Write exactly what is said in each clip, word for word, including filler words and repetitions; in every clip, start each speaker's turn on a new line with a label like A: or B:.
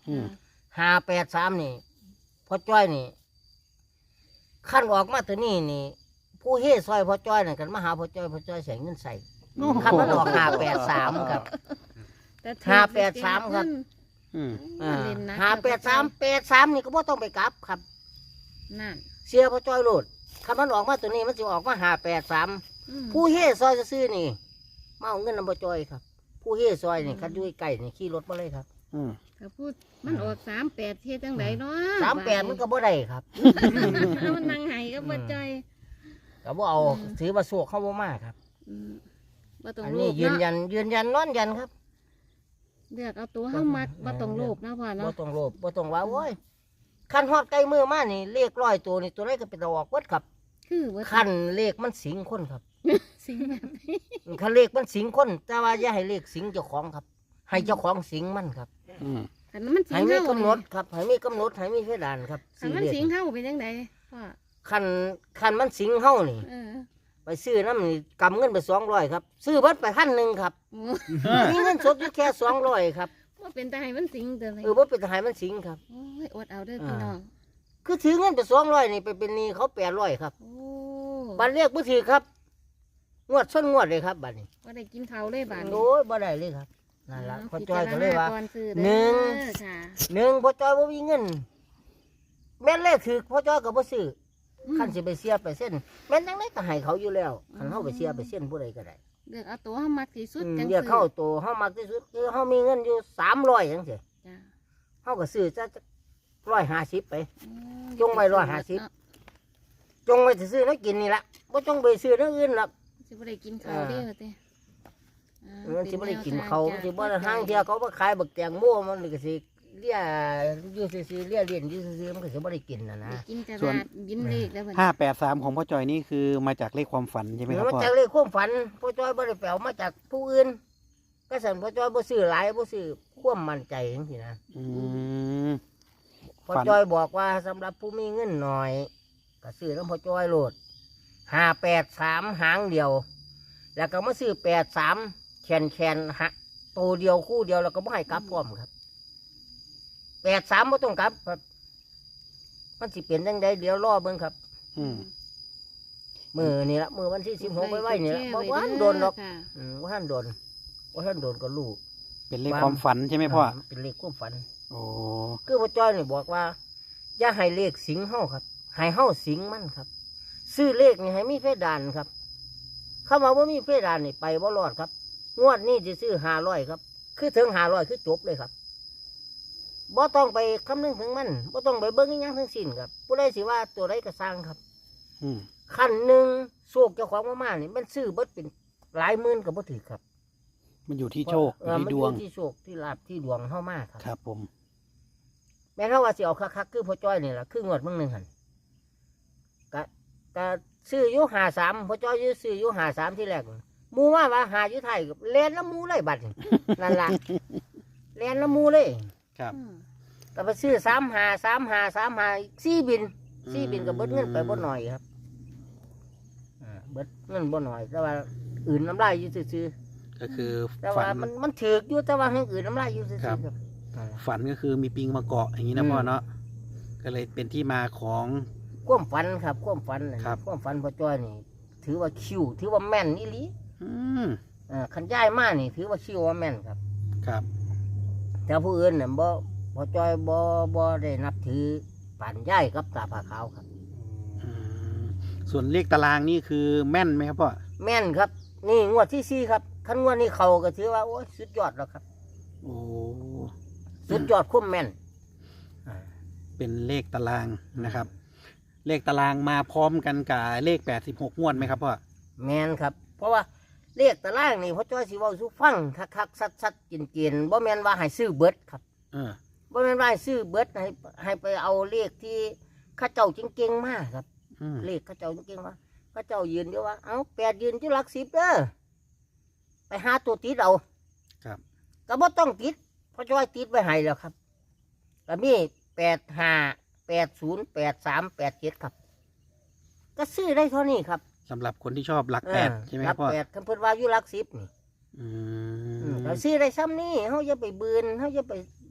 A: ห้าแปดสามนี่พ่อจ้อยนี่ขั้นออกมาตัวนี้นี่ผู้เฮ่ซอยพ่อจ้อยนั่นกันมาหาพ่อจ้อยพ่อจ้อยใส่เงินใส่ขั้นมันออกห้าแปดสามครับห้าแปดสามครับห้าแปดสามแปดสามนี่ก็บ่ต้องไปกลับครับนั่นเสียพ่อจ้อยโหลดขั้นมันออกมาตัวนี้มันจะออกมาห้าแปดสามผู้เฮ่ซอยจะซื้อนี่มาเอาเงินนำพ่อจ้อยครับผู้เฮ่ซอยนี่คันยุ่ยไก่นี่ขี่รถมาเลยครับ
B: ก็พูดมันออกสามแปดเท่จังไดเนาะ
A: สามแปดมันก็บ่ได้ครับ
B: มันนั่งไห้ก็บ่ใจ
A: ก็บ่เอาถือว่าโศกเข้าบ่มาครับอันนี้ยืนยันยืนยันนอนยันครับ
B: เลือกเอาตัวห้ามัดบ่ต้องโลภนะพ่อเนาะ
A: บ่ต้องโลภบ่ต้องว่าโอ้ยคันฮอดใกล้มือมานี่เลขร้อยตัวนี่ตัวไหนก็เป็นออกเบิดครับ
B: คือ
A: คันเลขมันสิงคนครับ
B: สิงแบบนี้
A: คันเลขมันสิงคนแต่ว่าอย่าให้เลขสิงเจ้าของครับให้เจ้าของสิงมันครับ
B: ให้มันสิง
A: ให้มีกำหนดครับให้มีกำหนดให้มีเพดานครับ
B: ให้มันสิงเฮาเป็นจังไดพ่อ
A: คันคันมันสิงเฮานี่ไปซื้อน้ำนี่กำเงินไปสองร้อยครับซื้อเบิดไปพันหนึ่งครับมีเงินสดอยู่แค่สองร้อยครับ
B: ว่าเป็นตาให้มันสิงเด้อ
A: เออว่าเป็นตาให้มันสิงครับ
B: โอ้ยอดเอาเด้อพี่น้อง
A: คือถือเงินไปสองร้อยนี่ไปเป็นหนี้เขาแปดร้อยครับบัตรเรียกผู้ถือครับงวดส้นงวดเลยครับบัตรนี้
B: ว่าได้กินเขาเลยบัตร
A: โอ้ยบ่ได้เลยครับนั่นแหละพอจอยก็เลยว่าหนึ่งหนึ่งพอจอยว่ามีเงินแม่นเลขถือพอจอยก็บ่ซื้อขั้นสิไปเสียไปเส้นแม่นจังไดก็ให้เขาอยู่แล้วขั้นเขาไปเสียไปเส้นผู้ใดก็ได้
B: เลือกเอาตัวเฮามักที่สุดจัง
A: เลือกเข้าตัวเฮามักที่สุดคือเฮามีเงินอยู่สามร้อยจังซี่เฮาก็ซื้อจะร้อยห้าสิบไปจงไว้ร้อยห้าสิบจงไว้ซื้อแล้วกินนี่ละบ่จงไปซื้อเรื่องอื่นหรอก
B: สิบ่ได้กินข้าวเด้อเต้
A: มันสิบ่ได้กินเขาสิบ่ได้ห้างเที่ยเขาบ่ขายบักแตงโมมันก็สิเลี้ยอยู่ซื่อๆเลี้ยเลี้ยนอยู่ซื่อๆมันก็สิบ่ได้กินน่ะนะ
B: ส่วนยิ้มเลขแล้ว
C: ห้าแปดสามของพ่อจอยนี่คือมาจากเลขความฝันใช่ไหมครับพ่อ
A: มาจากเลขความฝันพ่อจอยบ่ได้แปลมาจากผู้อื่นก็สั่นพ่อจอยบ่ซื้อหลายบ่ซื้อความมั่นใจจังซี่นะ
C: อืม
A: พ่อจอยบอกว่าสำหรับผู้มีเงินหน่อยก็ซื้อน้ำพ่อจอยโหลดห้าแปดสามหางเดียวแล้วก็มาซื้อแปดสามแขนแขนฮะตัวเดียวคู่เดียวแล้วก็ไม่ให้กลับพร้อมครับแปดสามไม่ต้องกลับครับมันสิเปลี่ยนยังไงเดี๋ยวรอเบิ่งครับมือนี่ละมือวันที่สิบหกไว้ไว้นี่ละบอกว่าโดนหรอกว่าท่านโดนว่าท่านโดนก็ลูก
C: เป็นเลขความฝันใช่ไหมพ่อ
A: เป็นเลขความฝัน
C: โอ้
A: คือพ่อจ้อยนี่บอกว่าอย่าให้เลขสิงเฮาครับให้เฮาสิงมันครับซื้อเลขนี่ให้มีเพดานครับเข้ามาว่ามีเพดานนี่ไปบ่รอดครับงวดนี้จะซื้อห้าร้อยครับคือถึงห้าร้อยคือจบเลยครับบ่ต้องไปคำนึงถึงมันบ่ต้องไปเบิ้งยังทั้งสิ้นครับผู้ใดสิว่าตัวใดก็สร้างครับขั้นหนึ่งโชคเจ้าของมากๆนี่มันซื้อเบิดเป็นหลายหมื่นก็บ่ถือครับ
C: มันอยู่ที่โชคที่ดวง
A: ที่โชคที่ลาภที่ดวงเฮามากครับ
C: ครับผม
A: แม้ถ้าว่าสิเอาคักๆคือพ่อจ้อยนี่แหละคืองวดมึงหนึ่งหันก็ก็ซื้ออยู่หาสามพ่อจ้อยยื้อซื้ออยู่หาสามที่แรกมูว่าว่าหาอยู่ไทยเล่นแล้วมูเลยบัดนั่นล่ะเล่นแล้วมูเลย
C: ครับ
A: ก็ไปซื้อสามหาสามหาสามหาสี่บินสี่บินก็เบิดเงินไปบ่หน่อยครับเบิดเงินบ่หน่อยแต่ว่าอื่นน้ำลายอยู่ซื่อ
C: ก็คือ
A: แต่ว่ามันมันถือกอยู่แต่ว่าให้อื่นน้ำลายอยู่ซื่อครับ
C: ฝันก็คือมีปิงมาเกาะอย่างนี้นะพ่อเนาะก็เลยเป็นที่มาของ
A: ความฝันครับความฝันความฝันพ่อจ้อยนี่ถือว่าคิวถือว่าแม่นนี่ลิอ่าขันย้ายมานี่ถือว่าคิวว่าแม่นครับ
C: ครับ
A: แต่ผู้อื่นเนี่ยบ่พ่อจ้อยบ่บ่ได้นับถือป่านย้ายกับตาผาขาวครับ
C: ส่วนเลขตารางนี่คือแม่นไหมครับพ่อ
A: แม่นครับนี่งวดที่สี่ครับขั้นงวดนี้เขาก็ถือว่าโอ้ยสุดยอดแล้วครับ
C: โอ้
A: สุดยอดคุ้มแม่น
C: เป็นเลขตารางนะครับเลขตารางมาพร้อมกันกับเลขแปดสิบหกงวดไหมครับพ่อ
A: แม่นครับเพราะว่าเลขตารางนี่พ่อจ้อยสิเว้าสู่ฟังคักๆซัดๆกินๆบ่แม่นว่าให้ซื้อเบิดครับ
C: เออ
A: บ่แม่นว่าให้ซื้อเบิดให้ให้ไปเอาเลขที่ข้าเจ้าเก่งๆมาครับเลขข้าเจ้าเก่งๆว่าข้าเจ้ายืนอยู่ว่าเอ้าแปดยืนอยู่หลักสิบเด้อไปหาตัวติดเอา
C: ครับ
A: ก็บ่ต้องติดพ่อจ้อยติดไว้ให้แล้วครับก็มีแปดห้าแปดศูนย์แปดสามแปดเจ็ดครับก็ซื้อได้เท่านี้ครับ
C: สำหรับคนที่ชอบหลักแปดใช่ไหมครับพ่อ
A: หลักแปดคำพูดว่าอยู่หลักสิบนี่เราซื้อได้ซ้ำนี่เขาจะไปบืนเขาจะไป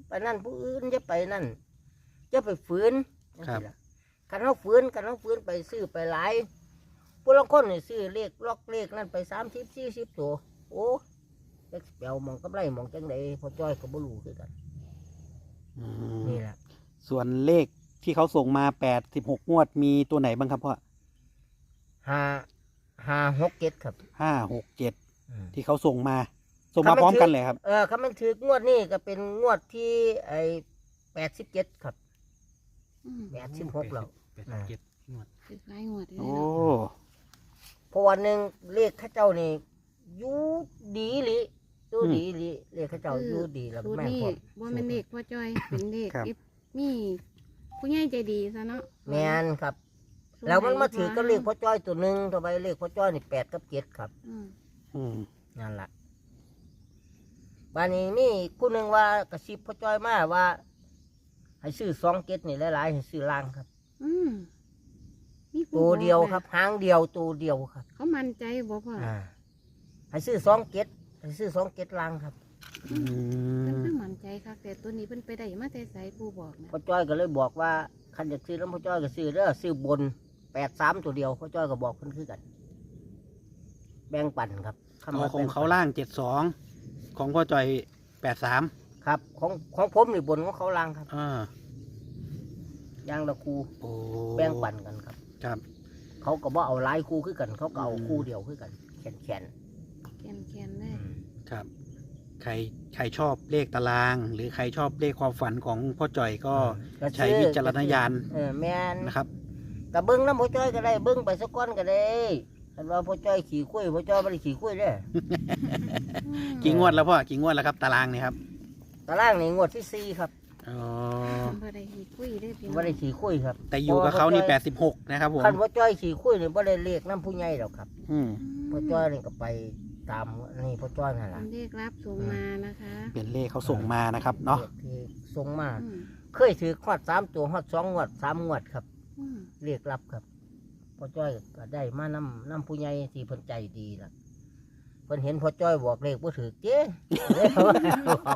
A: ไปนั่นผู้อื่นจะไปนั่นจะไปฝืน
C: ครับ
A: กันเขาฝืนกันเขาฝืนไปซื้อไปหลายผู้ลางคนนี่ซื้อเลขล็อกเลขนั่นไปสามสิบสี่สิบตัวโอ้เด็กเปียวมองกำไรมองจังไดพอจ้อยก็บ่รู้คือกัน
C: อืม
A: นี่แหละ
C: ส่วนเลขที่เขาส่งมาแปดสิบหกงวดมีตัวไหนบ้างครับพ่อ
A: ห้าห้าหกเจ็ดครับ
C: ห้าหกเจ็ด
A: อืม
C: ที่เขาส่งมา ส่งมาพร้อมกันเลยครับ
A: เออคำมันถืองวดนี่ก็เป็นงวดที่ไอ้แปดสิบเจ็ดครับ
B: อืม
A: แปดสิบหกแล้ว
C: แปดสิบเจ็ดงวด
B: คือหลายงวดเลย
C: โอ้
B: เนาะ
A: เพราะวันหนึ่งเลขเข้าเจ้านี่อยู่ดีหลิอยู่ดีหลิเลขเข้าเจ้าอยู่ดีแล้ว
B: สูตร
A: แม่น
B: นี้
A: พอ
B: บ่แม่นเลขพ่อจ้อย เป็นเลข
C: ครับ
B: อิมีผู้ใหญ่ใจดีซะเนาะ
A: แม่นครับ แล้วมันมาถือก็เลขพ่อจ้อยตัวหนึ่งตัวไปเลขพ่อจ้อยนี่แปดกับเจ็ดครับ
B: อืม
C: อืม
A: นั่นแหละบ้านนี้นี่คู่หนึ่งว่ากระซิบพ่อจ้อยมาว่า ให้ซื้อสองเจ็ดนี่หลายๆให้ซื้อล่างครับ
B: อืมมีผู้
A: ตัว
B: บอก
A: เดียว
B: นะครับ
A: หางเดียวตัวเดียวครับ
B: เขามั่นใจบ่พ่อ
A: อ่าให้ซื้อสองเจ็ดให้ซื้อสองเจ็ดล่างครับ
C: อื
B: เพิ่น
C: ม
B: คือมั่นใจคักแต่ตัวนี้เพิ่นไปได้มาแต่ไสผู้บอกนะ
A: พ่อจ้อยก็เลยบอกว่าคันอยากซื้อแล้วพ่อจ้อยก็ซื้อเด้อซื้อบนแปดสามตัวเดียวพ่อจ้อยก็บอกเพิ่นคือกัน แบ่งปันครับคำ
C: เอา
A: ว่า
C: ของ
A: แบ่ปัน
C: เขาล่างเจ็ดสองของพ่อจอยแปดสาม
A: ครับ ของของผมนี่บนของเขาล่างครับ
C: อ่า
A: ย่างละคู
C: โอ้
A: แบ่งปันกันครับ
C: ครับ
A: เขาก็บ่เอาหลายคู่คือกัน เขาก็เอา
C: อืม
A: คู่เดียวคือกันแขนแขน
B: แคนๆเล
A: ๆ
B: ย
C: ครับ ใครใครชอบเลขตาราง หรือใครชอบเลขความฝันของพ่อจอยก็
A: ก็
C: ใช้วิจารณญาณ
A: เออแม่น
C: นะครับ
A: ก็เบิ้งน้ำพ่อจ้อยก็ได้เบิ้งไปสักก้อนก็ได้คันว่าพ่อจ้อยขี่คุยพ่อจ้อยไม่ได้ขี่คุยเด้อ
C: กี่งวดแล้วพ่อกี่งวดแล้วครับตารางเนี่ยครับ
A: ตารางนี่งวดที่สี่ครับ
C: อ๋อ
B: บ่ได้ฮีคุยได้อพี่น้อง
A: ไม่ได้ขี่คุยครับ
C: แต่อยู่กับเขานี่แปดสิบหกนะครับผม
A: คันพ่อจ้อยขี่คุยนี่ไม่ได้เลขน้ำผู้ใหญ่หรอกครับ
C: อืม
A: พ่อจ้อยนี่ก็ไปตามนี่พ่อจ้อยนั่นแห
B: เป็
A: ละ
B: นเลขรับส่งมานะคะ
C: เป็นเลขเขาส่งมานะครับเนาะ
A: ลขที่ส่งมา
B: อืม
A: เคยถือขอดสามตัวขอดสองงวดสามงวดครับ
B: อืม
A: เรียกรับครับพ่อจ้อยก็ได้มาน้ำน้ำผู้ใหญ่ที่เพิ่นใจดีล่ะเพิ่นเห็นพ่อจ้อยบอกเลขบ่ถือเจ้เลยบอก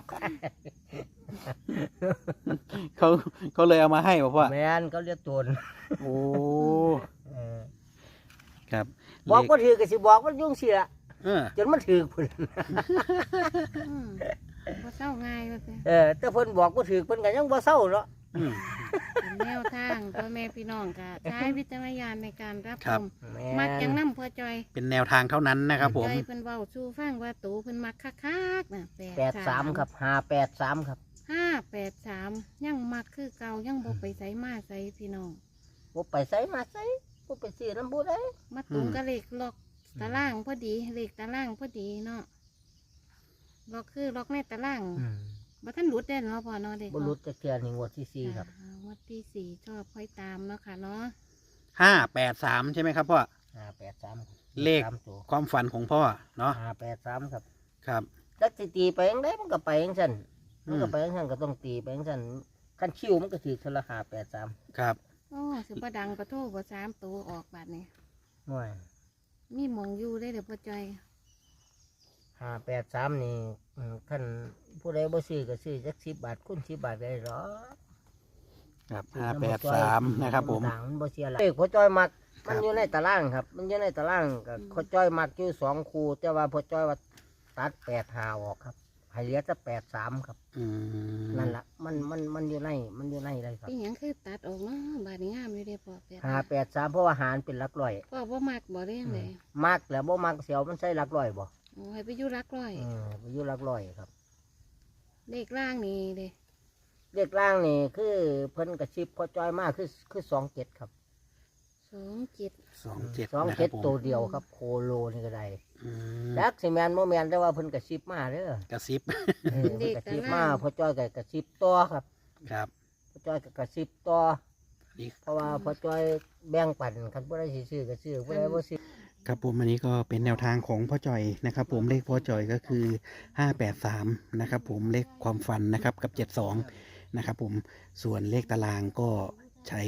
C: เขาเขาเลยเอามาให้บอกว่า
A: แม่นเขาเรียกโจร
C: โอ้
A: เออ
C: ครับ
A: บอก
C: เลข
A: บ่ถือก็สิบอกมันยุ่งเสีย
C: เออ
A: จนมันถือพุ่น
B: อืมบ่เศร้าง่ายว่าแต่
A: เออแต่เพิ่นบอกบ่ถือเพิ่นก็ยังบ่เศร้าเนาะ
C: อืม
B: เป็นแนวทางพ่อแม่พี่น้องก็ใช้วิจารณญาณในการรับ
C: ครั
B: ช
C: บ
B: ม
A: แม่
B: มักจัง
A: น
B: น้ำพ่อจอย
C: เป็นแนวทางเท่านั้นนะครับผม
B: จอยเพิ่นเว้าสู่ฟังว่าตูเพิ่นมักคักๆน่ะ
A: แปดสามครับห้าแปดสามครับ
B: ห้าแปดสามยังมักคือเก่ายังบ่ไปไสมาไสพี่น้อง
A: บ่ไปไสมาไสบ่ไปซื้อน้ำผู้ใด
B: มาตรงกับเลขล็อกตารางพอดีเลขตารางพอดีเนาะล็อกคือล็อกในตาราง
A: อืม
B: บ่ทันหลุดได้เนาะพ่อเนาะเด็ก
A: บ่รู้จักเทื่อนี่งวดที่สี่ครับ
B: อ่างวดที่สี่ชอบค่อยตามเนาะค่ะเนาะ
C: ห้าแปดสามใช่ไหมครับพ่อ
A: ห้าแปดสามครับ
C: เลข
A: สามตัว
C: ความฝันของพ่อเนาะ
A: ห้าแปดสามครับ
C: ครับ
A: จักสิตีไปยังไงมันก็ไปยังซั่น
C: อืม
A: มันก็ไปยังซั่นก็ต้องตีไปยังซั่นคันคิวมันก็ถือเทอละห้าแปดสาม
C: ครับ
B: โอ้สิบ่ดังประโทษบ่สามตัวออกบาดนี้
A: หน่วย
B: มีหมองอยู่ได้เด้อพ่อจอย
A: ห้าแปดสามนี่อืมคันผู้ใดบ่ซื้อก็ซื้อจักสิบบาทคูณสิบบาทได้หรอ
C: ครับห้าแปดสามนะครับผม
A: ต่างมันบ่เสียหลายเลขพ่อจ้อยมัก
C: ครั
A: มัน
C: บ
A: อยู่ในตารางครับ มันอยู่ในตารางก็พ่อจ้อยมักอยู่สองคู่แต่ว่าพ่อจ้อยว่าตัดแปดหาออกครับให้เหลือแต่แปดสามครับ
C: อืม
A: นั่นล่ะมันมันมันอยู่ในมันอยู่ในเลยครับ
B: เป็นหยังคือตัดออกเนาะบาดนี้งามอยู่เด้อพ่อแปด
A: หาแปดสามเพราะว่าหารเป็นหลักร้อย
B: พ่อบ่มักบ่ได้ยังไง
A: มักแล้วบ่มักเสียวมันใส่หลักร้อยบ่
B: โอ้ให้ไปอยู่รักร้อย
A: เออไปอยู่หลักร้อยครับ
B: เลขล่างนี่เด้
A: เลขล่างนี่คือเพิ่นกระชิบพอจอยมากคือคือสองเจ็ดครับ
B: สองเจ็ด
C: สองเจ็ด
A: สอง
C: นะค
A: เจ็
C: รั
A: ด
C: บผม
A: ตัวเดียวครับ โคโลนี่ก็ได้
C: อืม
A: ดักสิแมนโมแมนแต่ว่าเพิ่นกระชิบมาเด้อก
C: ระซิบ
A: เออเพิ่นกระชิบมาพอจอยก็กระชิบต่อครับ
C: ครับ
A: พอจอยก็กระชิบต่อ
C: นี่
A: เพราะว่าพอจอยแบ่งปันคันผู้ใดสิซื้อก็ซื้อผู้ใดบ่ซื้อ
C: ครับผมอันนี้ก็เป็นแนวทางของพ่อจอยนะครับ ผมเลขพ่อจอยก็คือห้าแปดสามนะครับ ผมเลขความฝันนะครับกับเจ็ดสองนะครับ ผมส่วนเลขตารางก็ใช้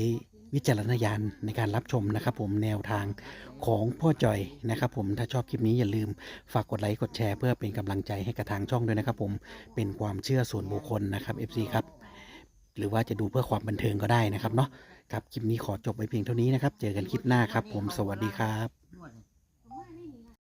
C: วิจารณญาณในการรับชมนะครับผมแนวทางของพ่อจอยนะครับผมถ้าชอบคลิปนี้อย่าลืมฝากกดไลค์กดแชร์เพื่อเป็นกำลังใจให้กับทางช่องด้วยนะครับผมเป็นความเชื่อส่วนบุคคลนะครับ เอฟ ซี ครับหรือว่าจะดูเพื่อความบันเทิงก็ได้นะครับเนาะครับคลิปนี้ขอจบไว้เพียงเท่านี้นะครับเจอกันคลิปหน้าครับผมสวัสดีครับ